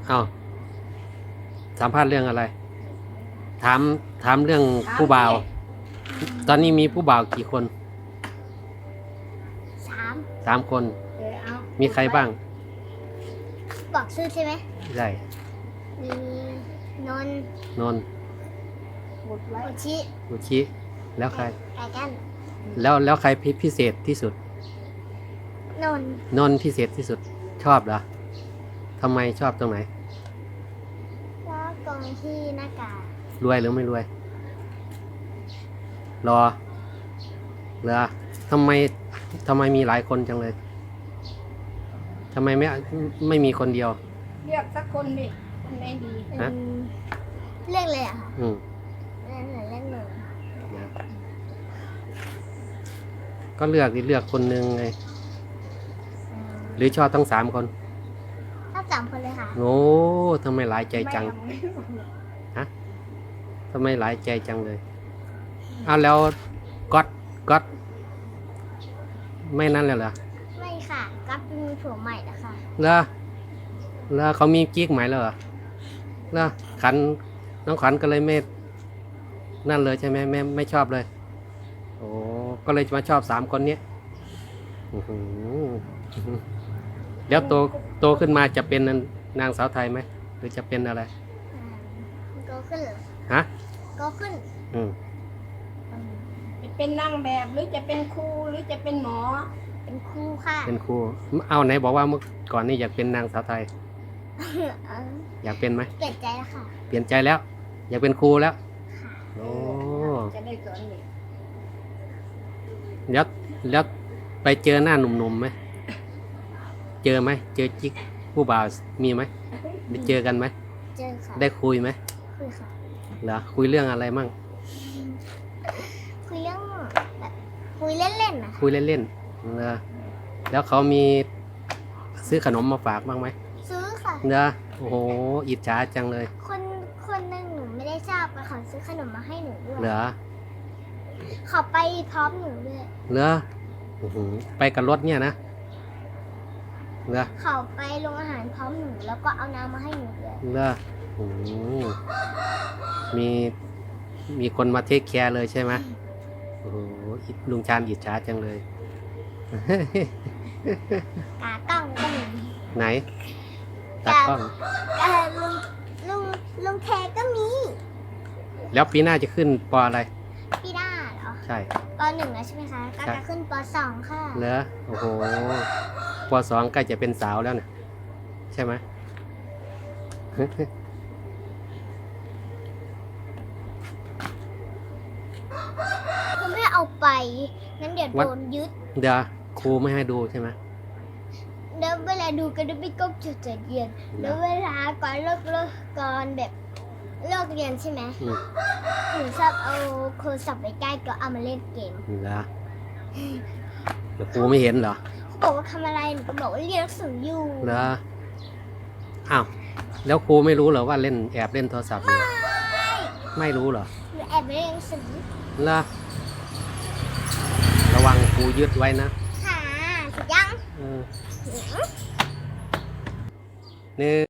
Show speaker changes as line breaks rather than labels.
เอาสัมภาษณ์เรื่องอะไร ถามเรื่องผู้บ่าว ตอนนี้มีผู้บ่าวกี่คน3 คน มีใครบ้าง
บอกชื่อใช่ไหม
ได้
มีนนท์
นนท์
อุชิ
อุชิ แล้วใคร
ไก่กัน
แล้วใครพิเศษที่สุด
นนท์
นนท์พิเศษที่สุด ชอบเหรอทำไมชอบตรงไหน
แล้วกองที่หน้ากาก
รวยหรือไม่รวย รอเหรอทำไมมีหลายคนจังเลยทำไมไม่มีคนเดียว
เลือกสักคนดิคนไหนดี
ฮะ
เรื่องเลยอะค่ะ
อืม
เรื่องหนึ่ง
ก็เลือกคนหนึ่งไง หรือชอบทั้ง3 คน
ชอบ3 คนเลยค่ะ
โอ้ทำไมหลายใจจัง
ไม่เอา
ทำไมหลายใจจังเลยอ้าวแล้วก๊อตไม่นั่นเลยเหรอ
ไม่ค่ะก็มีผัวใหม่แล้วค่ะ
แล้วเขามีกิ๊กใหม่แล้วเหรอแล้วน้องขวัญก็เลยไม่นั่นเลยใช่ไหมไม่ชอบเลยโอ้ก็เลยมาชอบ3 คนนี้อื้อหือแล้วโตขึ้นมาจะเป็นนางสาวไทยไหมหรือจะเป็นอะไร
โตขึ้นเหรอ
ฮะ
โตขึ้น
อืม
จะเป็นนางแบบหรือจะเป็นครูหรือจะเป็นหมอ
เป็นครูค่ะ
เป็นครูเอาไหนบอกว่าเมื่อก่อนนี่อยากเป็นนางสาวไทย
เออ
อยากเป็นไหม
เปลี่ยนใจแล้วค่ะ
เปลี่ยนใจแล้ว อยากเป็นครูแล้วโอ้
จะได้สอนเด็ก
แล้วไปเจอหน้าหนุ่มๆไหมเจอไหมเจอจิ๊กผู้บ่าวมีไหมได้เจอกันไหม
เจอค่ะ
ได้คุยไหม
คุยค่ะ
เหรอคุยเรื่องอะไรมั่ง
คุยเรื่องแบบคุยเล่นๆนะ
คุยเล่นๆเหรอแล้วเขามีซื้อขนมมาฝากบ้างไหม
ซื้อค่ะ
เหรอโอ้โหอิจฉาจังเลย
คนหนึ่งหนูไม่ได้ชอบแต่เขาซื้อขนมมาให้หนูด้วย
เหรอ
เขาไปพร้อมหนูด้วย
เหรออื้อหือไปกับรถเนี่ยนะเหรอ
เขาไปโรงอาหารพร้อมหนูแล้วก็เอาน้ำมาให้หนูด้วย
เหรอโอ้โหมีคนมาเทคแคร์เลยใช่ไหมโอ้โหลุงชาญอิจฉาจังเลย
กากล้องก็มี
ไหนตากล้อง
ลุงแทก็มี
แล้วปีหน้าจะขึ้นปออะไร
พี่ด้าเหรอ
ใช่
ป .1 แล้วใช่ไหมคะก็จะขึ้นป .2 ค่ะ
เหรอโอ้โหป2ใกล้จะเป็นสาวแล้วเนี่ยใช่ไหม
คุณไม่เอาไปงั้นเดี๋ยวโดนยึด
เดี๋ยวครูไม่ให้ดูใช่ไหม
เดี๋ยวเวลาดูก็จะไม่ก้มจุดใจเย็นแล้วเวลาก่อนเลิกก่อนแบบเลิกเรียนใช่ไหม
อืม
หนูชอบเอาโทรศัพท์ไปใกล้ก็เอามาเล่นเกม
เหรอเดี๋ยวครูไม่เห็นเหรอ
เขาบอกว่าทำอะไรหนูก็บอกว่าเรียนหนังสืออยู่
เหรออ้าวแล้วครูไม่รู้เหรอว่าแอบเล่นโทรศัพท์อยู่ไม่รู้เหรอ
หนูแอบไปเรียนหนังสือ
เหรอระวังครูยึดไว้นะ
ค่ะสุดยัง
เออนี่